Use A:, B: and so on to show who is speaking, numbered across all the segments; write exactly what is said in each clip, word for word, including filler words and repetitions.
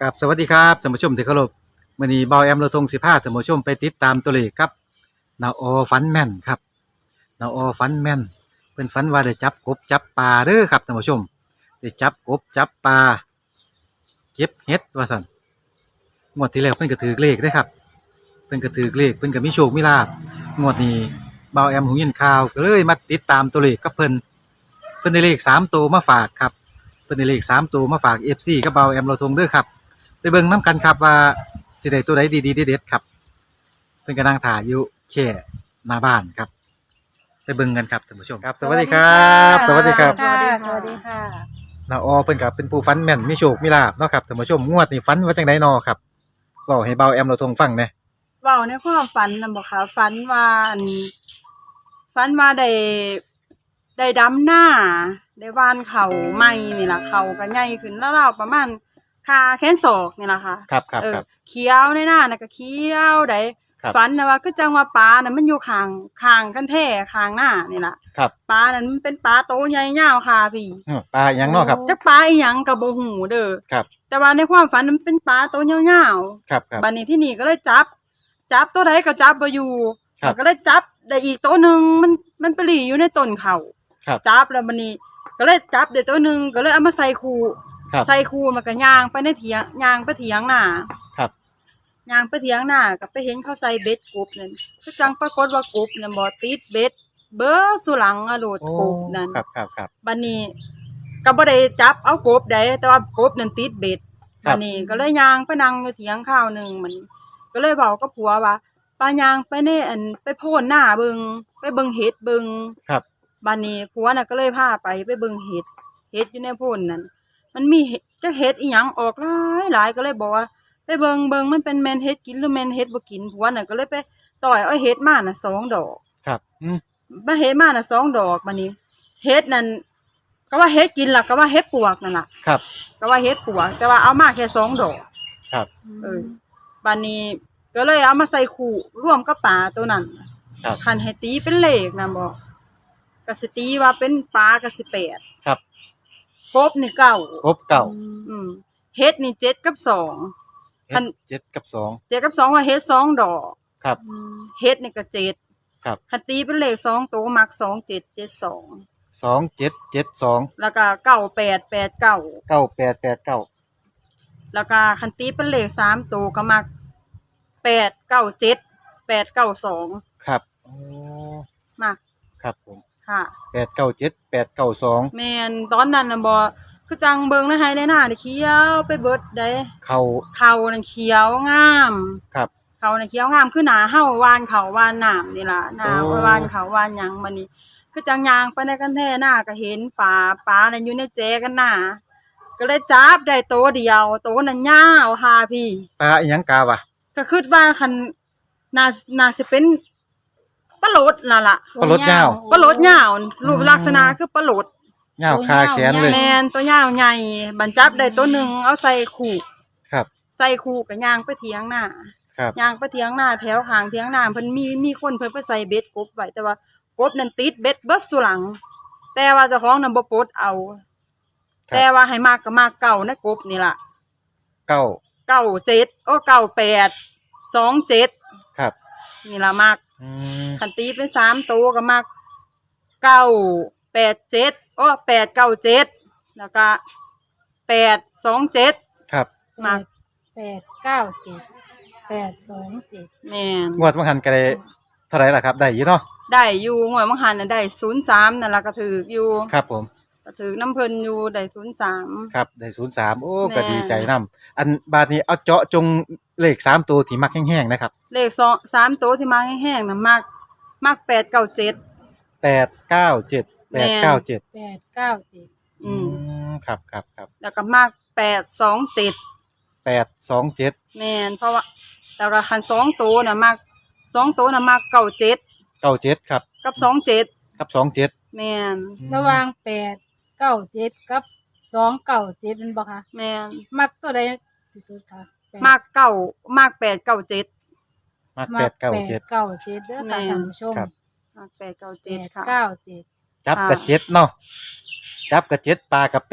A: กับสวัสดีครับท่านผู้ชมที่เคารพมื้อนี้เบาแอมเราทงสิพาท่านผู้ชมไปติดตามตัวเลขครับนาออฝันแม่นครับนาออฝันแม่นเพิ่นฝันว่าได้จับกบจับปลาเด้อครับท่านผู้ชมได้จับกบจับปลาเก็บเห็ดว่าซั่นงวดที่แล้วเพิ่นก็ถือเลขเด้อครับเพิ่นก็ถือเลขเพิ่นก็มีโชคมีลาภงวดนี้เบาแอมหูยินข่าวก็เลยมาติดตามตัวเลขกับเพิ่นเพิ่นได้เลขสามตัวมาฝากครับเพิ่นได้เลขสามตัวมาฝาก เอฟ ซี กับเบาแอมเราทงเด้อครับไปเบิ่งน้ำกันครับว่าสิได้ตัวใดดีๆเด็ดๆครับเพิ่นกำลังถ่ายอยู่แค่หน้าบ้านครับไปเบิ่งกันครับท่านผู้ชมครับสวัสดีครับสวัสดีครับ
B: ค่ะสวัสดีค่ะ
A: น้าออเพิ่นก็เป็นผู้ฝันแม่นมีโชคมีลาภเนาะครับท่านผู้ชมงวดนี้ฝันว่าจังได๋น้อครับเว้าให้เบาแอมเราทงฟังแหน่
B: เว้าในความฝันน่ะบ่ค่ะฝันว่าอันฝันว่าได้ได้ดำหน้าได้หว่านข้าวใหม่นี่ล่ะข้าวก็ใหญ่ขึ้นราวๆประมาณขาแขนศอกนี่ล่ะค่ะ
A: ครับครับ
B: เออ
A: ครับ
B: เขียวในหน้าน่ะก็เขียวได้ฝันน่ะว่าคือจังว่าปลาน่ะมันอยู่ข้างข้างกันแท้ข้างหน้านี่ล่ะ
A: ครับ
B: ปลานั้นมันเป็นปลาโตใหญ่ยาวค่ะพี่
A: อื้อปลาหยังเนาะครับ
B: จักปลาอีหยังก็บ่ฮู้เด้อ
A: ครับ
B: แต่ว่าในความฝันมันเป็นปลาโตยาวๆ
A: ครับครับ
B: บัดนี้ที่นี่ก็เลยจับ จับตัวใดก็จับบ่อยู่
A: ครับ
B: ก็เลยจับได้อีกตัวหนึงมันมันไปหลีอยู่ในต้นเขา
A: ครับ
B: จับแล้วบัดนี้ ก็เลยจับได้ตัวหนึงก็เลยเอามาใส่คู
A: ครับ
B: ใส่คูมันก็ย่างไปในเถียงย่างไปเถียงหน้า
A: ครับ
B: ย่างไปเถียงหน้าก็ไปเห็นเขาใส่เบ็ดกบนั่นก็จังปรากฏว่ากบนั่นบ่ติดเบ็ดเบ้อสุหลังอะโลด
A: โอ้
B: กบนั่น
A: ครับครับครับ
B: บัดนี้ก็บ่ได้จับเอากบได้แต่ว่ากบนั่นติดเบ็ด
A: ครั
B: บั
A: บ
B: ดนี้ก็เลยย่างไปนั่งอยู่เถียงข้าวหนึงมันก็เลยเว้ากับผัวว่าป้าย่างไปในอันไปโพนหน้าเบิงไปเบิงเห็ดเบิง
A: ครับ
B: บัดนี้ผัวน่ะก็เลยพาไปไปเบิงเห็ดเห็ดอยู่ในโพนนั่นมันมีเห็ดจักเห็ดอีหยังออกหลายหลายก็เลยบอกว่าไปเบิงเบิงมันเป็นแม่นเห็ดกินหรือแม่นเห็ดบ่กินผัวน่ะก็เลยไปต่อยเอาเห็ดมาน่ะสองดอก
A: ครับอืม
B: มาเห็ดมาน่ะสองดอกบัดนี้เห็ดนั่นก็ว่าเห็ดกินล่ะก็ว่าเห็ดปวกนั่นล่ะ
A: ครับ
B: ก็ว่าเฮ็ดปวกแต่ว่าเอามาแค่สองดอก
A: ครับ
B: เออบัดนี้ก็เลยเอามาใส่คู่ร่วมกับปลาตัวนั้น
A: ครับ
B: คันให้ตีเป็นเลขนะบ่ก็สิตีว่าเป็นปลาก็สิแปด
A: ครับ
B: กบนี่เก้า
A: ครบเก้า
B: อืมเฮ็ดนี่เจ็ดกับสอง
A: เฮ็
B: อั
A: ด
B: น
A: เจ็ดกับสอง
B: เจ็ดกับสองว่าเฮ็ดสองดอก
A: ครับ
B: เฮ็ดนี่ก็เจ็ด
A: ครับ
B: คันตีเป็นเลขสองตัวมักสองเจ็ดเจ็ดสอง
A: สองเจ็ดเจ็ดสอง
B: แล้วก็เก้าแปดแปดเก้า
A: เก้าแปดแปดเก้า
B: แล้วก็คันตีเป็นเลขสามตัวก็มักแปดเก้าเจ็ดแปดเก้าสอง
A: ครับโอ้
B: มัก
A: ครับผม
B: ค่ะ
A: แปดเก้าเจ็ดแปดเก้าสอง
B: แม่นตอนนั้นน่ะบ่คือจังเบิ่งในไห้ในหน้านี่เขียวไปเบิดได้
A: เข้า
B: เขานั่นเขียวงาม
A: ครับ
B: เขานั่นเขียวงามคือหน้าเฮาวานเขาวานน้ำนี่ล่ะหน้า
A: โอ้
B: วานเขาวานหยังบัดนี้ คือจังย่างไปในกันแท้หน้าก็เห็นปลาปลานั่นอยู่ในแจกันหน้าก็เลยจับได้โตวเดียวโตวนั้นยาวค่ะพี่
A: ปลาอีหยังกาวะ
B: ก็คิดว่าคันน่าน่าสิเป็นปลาโหลดนั่นล่ะ
A: ปลาลดยาว
B: ปลาโหลดยาวรูปลักษณะคือปลาโหลด
A: ยาวคาแขนเลย
B: แมนตัวยาวใหญ่บรรจับได้ตัวหนึ่งเอาใส่ขู่
A: ครับ
B: ใส่ขู่กับยางไปเถียงหน้า
A: ครับ
B: ยางไปเถียงหน้าแถวข้างเถียงหน้าเพิ่นมีมีคนเพิ่นไปใส่เบ็ดกบไว้แต่ว่ากบนั่นติดเบ็ดเบิดสุหลัง แต่ว่าเจ้าของนั่นบ่ปลดเอา
A: ครับ
B: แต่ว่าให้มากก็มากเก่านะกบนี่ล่ะ
A: เก้า
B: เก้าเจ็ดโอ้เก้าแปดสองเจ็ด
A: ครับ
B: นี่ล่ะมาก
A: อืม
B: คันตีเป็นสามตัวก็มากเก้าแปดเจ็ดโอ้แปดเก้าเจ็ดแล้วก็แปดสองเจ็ด
A: ครับ
B: มาก
C: แปดเก้าเจ็ดแปดสองเจ็ด
B: แม่น
A: งวดมังหันก็ได้เท่าไหร่ล่ะครับได้อยู่เนาะ
B: ได้อยู่งวยมังหันน่ะได้ศูนย์สามนั่นล่ะก็ถืออยู่
A: ครับผม
B: ก็ถือน้ำเพิ่นอยู่ได้ศูนย์สาม
A: ครับได้ศูนย์สามโอ้
B: แม่
A: ก็ดีใจนํอันบาดนี้เอาเจาะจงเลขสามตัวที่มักแห้งๆนะครับ
B: เลขสองสามตัวที่มาแห้งๆน่ะมากมากแปดเก้าเจ็ด
A: แปดเก้าเจ็ดแปดเก้าเจ็ด
C: แปดเก้าเจ็ด
B: อื
A: อื
B: ม
A: มครับครับครับ
B: แล้วก็มากแปดสองเจ็ด
A: แปดสองเจ็ด
B: แม่นเพราะว่าแต่ว่าคันสองตัวน่ะมากสองตัวน่ะมากเก้าเจ็ด
A: เก้าเจ็ดครับ
B: กับสองเจ็ด
A: กับสองเจ็ด
B: แม่น
C: ระหว่างแปดเก้าเจ็ดกับสองเก้าเจ็ดเป็นบ่คะ
B: แม่น
C: มักตัวใดที่สุดคะแปด
B: มากเก้ามากแปดเก้าเจ็ด
A: มักแปดเก้าเจ็ด
C: แปเก้าเจ็ดเด้อ
B: แม่
C: ค่ะท่านผู้ชม
A: ครับ
B: มากแปดเก้า
C: แป
B: เจ็ด
C: ด
B: ค่ะ
C: เก้าเจ็ด
A: จับ
B: ค่ะ
A: กับเจ็ดเนาะจับกับเจ็ดปลากับแปด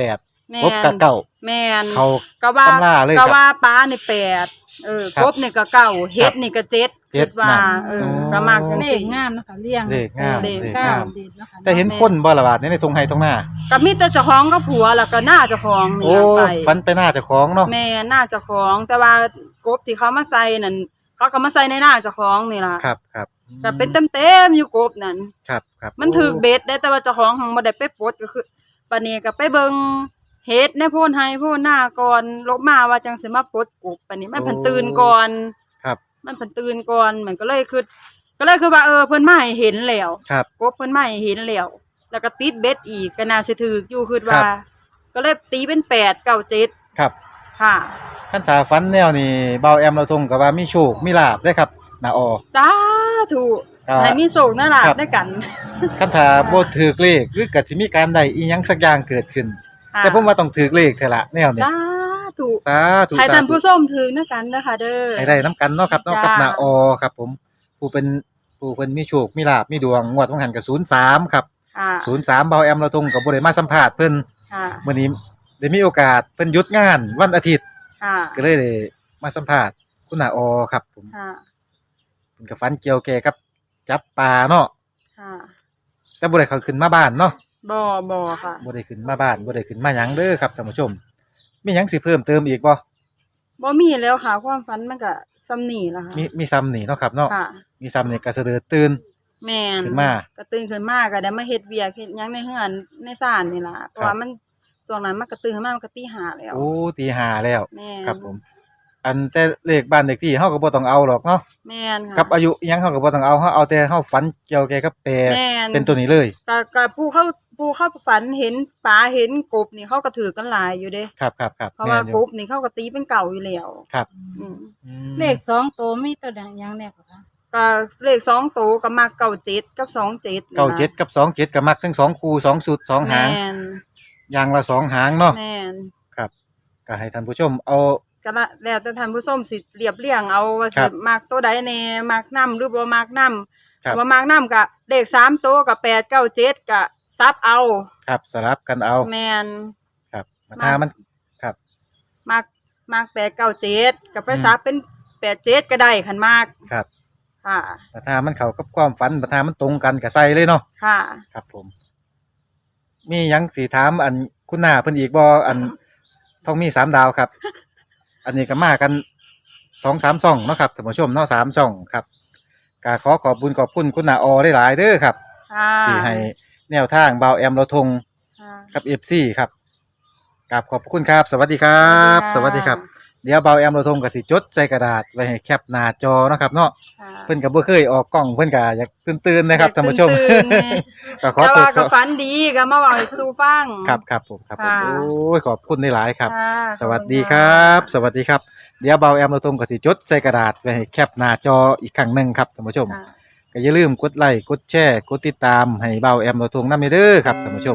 B: แม่
A: กบกับ
B: น
A: เก้า
B: แม่น
A: เขา
B: ก็ว่า
A: ตำราเลยครับ
B: ก็ว่าปลานี่แปดเออ
A: ครับ
B: กบนี่ก็เก้าเฮ็ดนี่ก็เจ็ด
A: เจ็ด
B: คิว่า
A: นั่น
B: เออ
A: อ๋อ
B: ก็มากจัง
C: เล
B: ซี่
C: ขงามเนาะคะเรียง
A: เลขงาม
C: เลข
A: เลข
C: เก้าง
A: าม
C: เจ็ดเนาะคะ
A: แต่เห็นคนบ่ละบาดในทงไห้ทงหน้า
B: ก็มีแต่เจ้าของกับผัวแล้วก็หน้าเจ้าของนี่
A: โอ้
B: ล่ะไป
A: ฝันไปหน้าเจ้าของเนาะ
B: แม่หน้าเจ้าของ แต่ว่ากบที่เขามาใส่นั่นเขาก็มาใส่ในหน้าเจ้าของนี่ล่ะ
A: ครับครับ
B: ก็เป็นเต็มๆอยู่กบนั่น
A: ครับครับ
B: มันถูกเบ็ดได้แต่ว่าเจ้าของหังบ่ได้ไปปลดก็คือปานนี้ก็ไปเบิ่งเฮ็ดในโพนไห้โพนหน้าก่อนลบมาว่าจังสิมาปลดกบปานนี้มันเพิ่นตื่นก่อน
A: ครับ
B: มันเพิ่นตื่นก่อนมันก็เลยคือก็เลยคือว่าเออเพิ่นมาให้เห็นแล้ว
A: ครับ
B: กบเพิ่นมาให้เห็นแล้วแล้วก็ติดเบ็ดอีกก็น่าสิถูกอยู่คือ
A: ครั
B: ว่า
A: บ
B: ก็เลยตีเป็นแปด เก้า เจ็ด
A: ครับ
B: ค่ะ
A: ขั้นตาฝันแนวนี่เบาแอมเราทงก็ว่ามีโชคมีลาภได้ครับนาออ
B: สาธุ
A: ก็
B: ให้มีโชคน่ารัก
A: ครับ
B: ด้วยกัน
A: ขั้นตาบ่ถูกเลขหรือก็สิมีการใดอีหยังสักอย่างเกิดขึ้น
B: ค่ะ
A: แต่ผมว่าต้องถูกเลขเท่าละแนวนี้
B: สาธุ
A: สาธุ
B: ให้
A: สา
B: ท่าน
A: ธุ
B: ผู้ชมถึงนะกันนะคะเด้อ
A: ให้ได้น้ำกันเนาะครับเนาะ
B: จ้า
A: กับนาออครับผมผู้เป็นผู้เพิ่นมีโชคมีลาภมีดวงงวดของหันก็ศูนย์สามครับ
B: ค่ะ
A: ศูนย์สามเบาแอมเราทงก็บ่ได้มาสัมภาษณ์เพิ่น
B: ค่ะ
A: มื้อนี้ได้มีโอกาสเพิ่นหยุดงานวันอาทิตย์
B: ค่ะ
A: ก็เลยได้มาสัมภาษณ์คุณนาออครับผม
B: ค่ะ
A: เพิ่นก็ฝันเกี่ยวแก่กับจับปลาเนาะ
B: ค่ะ
A: แต่บ่ได้เข้าขึ้นมาบ้านเนาะ
B: บ่บ่ค่ะ
A: บ่ได้ขึ้นมาบ้านบ่ได้ขึ้นมาหยังเด้อครับท่านผู้ชม มีหยังสิเพิ่มเติมอีกบ่
B: บ่มีแล้วค่ะ ความฝันมันก็ซ้ำนี่ล่ะค่ะ
A: มีมีซ้ำนี่เนาะครับเนาะ
B: ค่ะ
A: มีซ้ำนี่ก็เสดอตื่น
B: แม่น
A: ขึ้นมา
B: ก็ตื่นขึ้นมาก็ได้มาเฮ็ดเวียกเฮ็ดหยังในเฮือนในศาลนี่ล่ะเพราะว่ามันช่วงนั้นมันก็ตื่นขึ้นมามันก็ตีห้าแล้ว
A: โอ้ตีห้าแล้ว
B: แม่น
A: ครับผม อันแต่เลขบ้านเลขที่เฮาก็บ่ต้องเอาหรอกเนาะ
B: แม่นค่ะ
A: กับอายุอิหยังเฮาก็บ่ต้องเอาเฮาเอาแต่เฮาฝันเกี่ยวแก่กับแปร
B: แม่น
A: เป็นตัวนี้เลย
B: ก็ก็ผู้เขาผู้เขาฝันเห็นปลาเห็นกบนี่เขาก็ถือกันหลายอยู่เด้
A: ครับครับครับ
B: เพราะ
A: แม่
B: ว่าน
A: อก
B: บนี่เขาก็ตีเป็นเก่าอยู่แล้ว
A: ครับ
B: อืม
A: อืม
C: เลขสองตัวมีตัวใดอย่างแน่กว่าคะ
B: ก็เลขสองตัวก็มาเก้าเจ็ดกับสองเจ็ด
A: เก้าเจ็ดกับสองเจ็ดก็มักทั้งสองคู่สองสุดสองหาง
B: แม่น
A: อย่างละสองหางเนาะ
B: แม่น
A: ครับก็ให้ท่านผู้ชมเอา
B: ก็ละแล้วแต่ท่านผู้ชมสิเรียบเรียงเอาว่า
A: ครั
B: สิ
A: บ
B: มักตัวใดแน่มักนํหรือบ่มักนํ
A: ครับ
B: บ่มักนํก็เลขสามตัวก็แปด เก้า เจ็ดก็ซับเอา
A: ครับสลับกันเอา
B: แม่น
A: ครับถ้ามันครับ
B: มักมักแปด เก้า เจ็ดก็ไป
A: อืม
B: ซับเป็นแปด เจ็ดก็ได้คันมาก
A: ครับ
B: ค่ะ
A: แต่ถ้ามันเข้ากับความฝันแต่ถ้ามันตรงกันก็ใส่เลยเนาะ
B: ค่ะ
A: ครับผม มีหยังสีถามอันคุณหน้าเพิ่นอีกบ่อันท้องมีสามดาวครับ อันนี้ก็มากันสองสามช่องเนาะครับท่านผู้ชมเนาะสามช่องครับก็ขอขอบคุณขอบคุณคุณหน้าออได้หลายๆเด้อครับ
B: ค่ะ
A: ที่ให้แนวทางเบาแอมเราทง
B: ค่ะ
A: กับ เอฟ ซี ครับกราบขอบคุณครับ สวัสดีครับ ส
B: สวั
A: วัส
B: สดี
A: ดีค
B: ค่ะ
A: รับ เดี๋ยวเบาแอมเราทงก็สิจดใส่กระดาษไว้ให้แคปหน้าจอเนาะครับเนาะ
B: ค่ะ
A: เพิ่นก็บ่เคยออกกล้องเพิ่นก็อยากตื่นๆนะครับท่านผู้ชม
B: ตื่นๆนี่
A: ก็ขอ
B: แต่
A: โท
B: ว่า
A: ษ
B: ก็ฝันดีก็มาเว้าให้สู่ฟัง
A: ครับครับผมครับผม
B: ค่ะ
A: โอ้ยขอบคุณหลายๆครับ
B: ค่ะ
A: สวัสดีครับ สวัสดีครับ เดี๋ยวเบาแอมเราทงก็สิจดใส่กระดาษไว้ให้แคปหน้าจออีกครั้งหนึงครับท่านผู้ชม
B: ค่ะ
A: ก็อย่าลืมกดไลค์กดแชร์กดติดตามให้เบาแอมเราทงนำเด้อครับท่านผู้ชม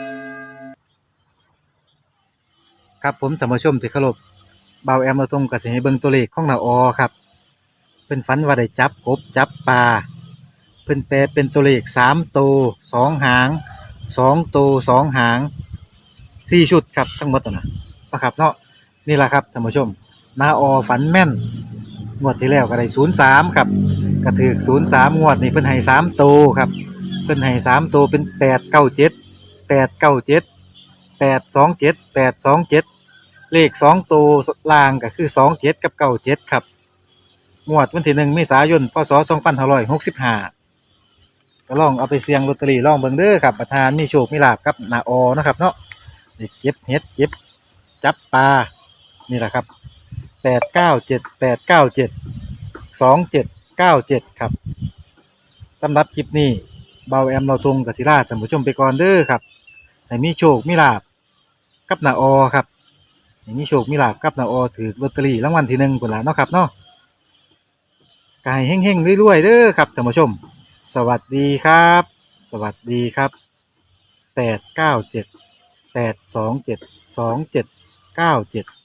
A: ครับผมท่านผู้ชมที่เคารพเบาแอมเราทงก็สิให้เบิ่งตัวเลขของนาออครับเพิ่นฝันว่าได้จับกบจับปลาเพิ่นแปลเป็นตัวเลขสามตัวสองหางสองตัวสองหางสี่ชุดครับทั้งหมดนั่นน่ะนะครับเนาะนี่ล่ะครับท่านผู้ชมนาออฝันแม่นงวดที่แล้วก็ได้ศูนย์สามครับก็ถูกศูนย์สามงวดนี้เพิ่นให้สามตัวครับเพิ่นให้สามตัวเป็นแปดเก้าเจ็ดแปดเก้าเจ็ดแปดสองเจ็ดแปดสองเจ็ดเลขสองตัวล่างก็คือสองเจ็ดกับเก้าเจ็ดครับงวดวันที่หนึ่งเมษายนพศสองพันห้าร้อยหกสิบห้าก็ลองเอาไปเสี่ยงลอตเตอรี่ลองเบิ่งเด้อครับประธานมีโชคมีลาภกับนาออนะครับเนาะได้เก็บเฮ็ดเก็บจับปลานี่แหละครับแปดเก้าเจ็ดแปดเก้าเจ็ดสองเจ็ดเก้าเจ็ดครับสำหรับคลิปนี้เบาแอมเราทงกับศิลาท่านผู้ชมไปก่อนเด้อครับให้มีโชคมีลาภกับนาออครับให้มีโชคมีลาภกับนาออถือลอตเตอรี่รางวัลที่หนึ่งพุ่นล่ะเนาะครับเนาะกายเฮงๆรวยๆเด้อครับท่านผู้ชม สวัสดีครับ สวัสดีครับแปดเก้าเจ็ดแปดสองเจ็ดสองเจ็ดเก้าเจ็ด